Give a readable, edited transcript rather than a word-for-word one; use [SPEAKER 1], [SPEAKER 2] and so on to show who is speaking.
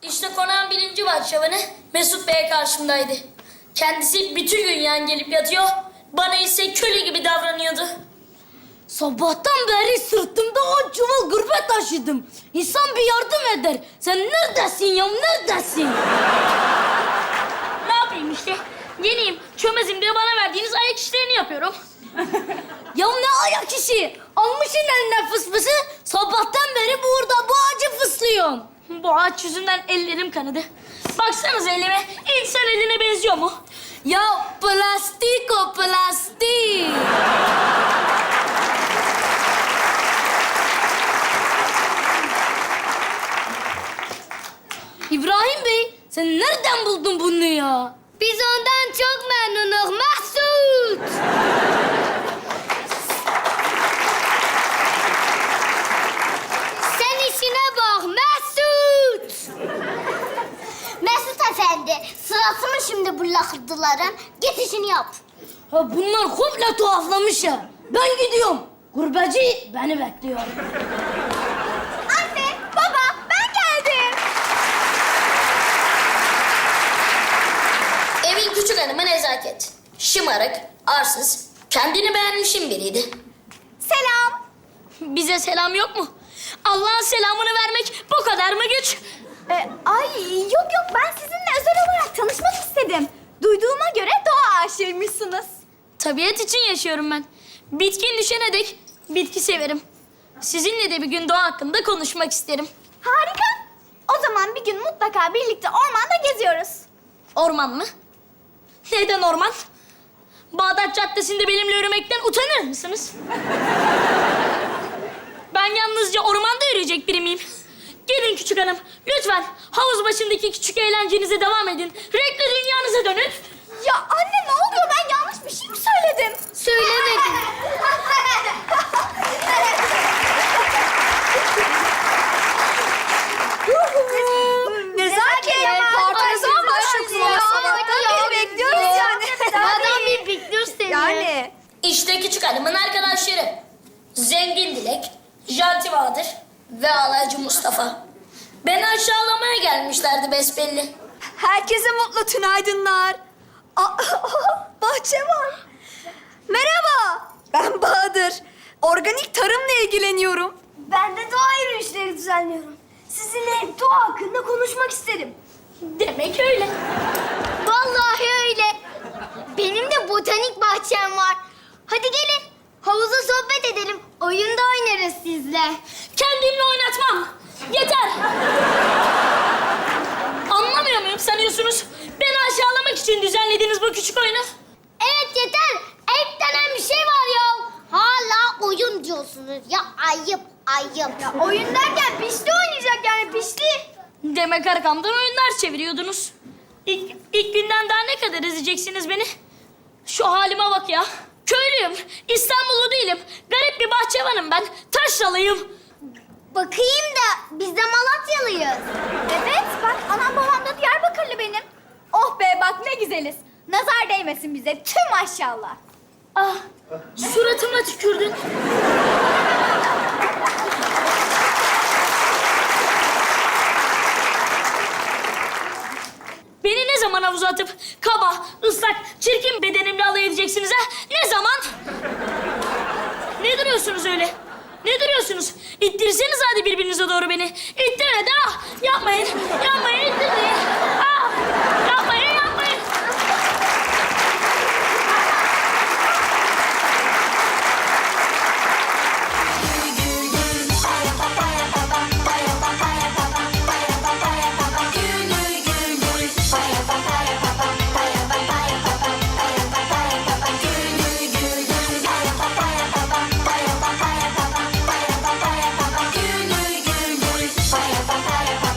[SPEAKER 1] İşte konağın birinci bahçıvanı Mesut Bey karşımdaydı. Kendisi bütün gün yan gelip yatıyor, bana ise köle gibi davranıyordu.
[SPEAKER 2] Sabahtan beri sırtımda 10 çuval gurbet taşıdım. İnsan bir yardım eder. Sen neredesin ya, neredesin?
[SPEAKER 1] Ne yapayım işte? Yeniyim, çömezim diye bana verdiğiniz ayak işlerini yapıyorum.
[SPEAKER 2] Ya ne ayak işi? Almışsın eline fısfısı. Sabahtan beri burada bu ağacı fıslıyorsun.
[SPEAKER 1] Bu ağaç yüzünden ellerim kanadı. Baksanıza elime, insan eline benziyor mu?
[SPEAKER 2] Ya plastik o, plastik. İbrahim Bey, sen nereden buldun bunu ya?
[SPEAKER 3] Biz ondan çok memnunuz Mesut. Sen işine bak Mesut. Mesut Efendi, sırası mı şimdi bu lakırdıların? Git işini yap.
[SPEAKER 2] Ha bunlar komple tuhaflamış ya. Ben gidiyorum. Gurbeci beni bekliyor.
[SPEAKER 3] Anne, baba, ben geldim.
[SPEAKER 1] Evin küçük hanımı nezaket. Şımarık, arsız, kendini beğenmişin biriydi.
[SPEAKER 3] Selam.
[SPEAKER 1] Bize selam yok mu? Allah'ın selamını vermek bu kadar mı güç?
[SPEAKER 3] Yok ben sizinle özel olarak tanışmak istedim. Duyduğuma göre doğa aşığıymışsınız.
[SPEAKER 1] Tabiat için yaşıyorum ben. Bitkin düşene dek bitki severim. Sizinle de bir gün doğa hakkında konuşmak isterim.
[SPEAKER 3] Harika. O zaman bir gün mutlaka birlikte ormanda geziyoruz.
[SPEAKER 1] Orman mı? Neden orman? Bağdat Caddesi'nde benimle yürümekten utanır mısınız? Ben yalnızca ormanda yürüyecek biri miyim? Gelin küçük hanım, lütfen havuz başındaki küçük eğlencenize devam edin. Renkli dünyanıza dönün.
[SPEAKER 3] Ya anne ne oluyor? Ben yanlış bir şey mi söyledim? Söylemedin. Nezaket. Ne zaman başlıyorsunuz? Sabahtan beri bekliyoruz yani. Zaten bir bekliyoruz seni. Yani.
[SPEAKER 1] İşte küçük hanımın arkadaşları. Zengin Dilek, Janti Bahadır ve Alaycı Mustafa. Beni aşağılamaya gelmişlerdi besbelli.
[SPEAKER 3] Herkese mutlu tünaydınlar. Bahçe var. Merhaba. Ben Bahadır. Organik tarımla ilgileniyorum. Ben de doğa yürüyüşleri düzenliyorum. Sizinle doğa hakkında konuşmak isterim.
[SPEAKER 1] Demek öyle.
[SPEAKER 3] Vallahi öyle. Benim de botanik bahçem var. Hadi gelin. Havuza sohbet edelim. Oyunda oynarız sizle.
[SPEAKER 1] Kendimle oynatmam. Yeter. Anlamıyor muyum sanıyorsunuz? Beni aşağılamak için düzenlediğiniz bu küçük oyunu.
[SPEAKER 3] Evet yeter. Ayıp denen bir şey var ya. Hala oyun diyorsunuz. Ya ayıp. Ya oyun derken pişti oynayacak yani pişti.
[SPEAKER 1] Demek arkamdan oyunlar çeviriyordunuz. İlk günden daha ne kadar ezeceksiniz beni? Şu halime bak ya. Köylüyüm, İstanbullu değilim. Garip bir bahçıvanım ben. Taşralıyım.
[SPEAKER 3] Bakayım da biz de Malatyalıyız. Evet bak anam babam da Diyarbakırlı benim. Oh be bak ne güzeliz. Nazar değmesin bize tüm maşallah.
[SPEAKER 1] Ah, suratıma tükürdün. Beni ne zaman havuza atıp kaba, ıslak, çirkin bedenimle alay edeceksiniz ha? Ne zaman? Ne duruyorsunuz öyle? Ne duruyorsunuz? İttirseniz hadi birbirinize doğru beni. İttirin hadi ah! Yapmayın, yapmayın.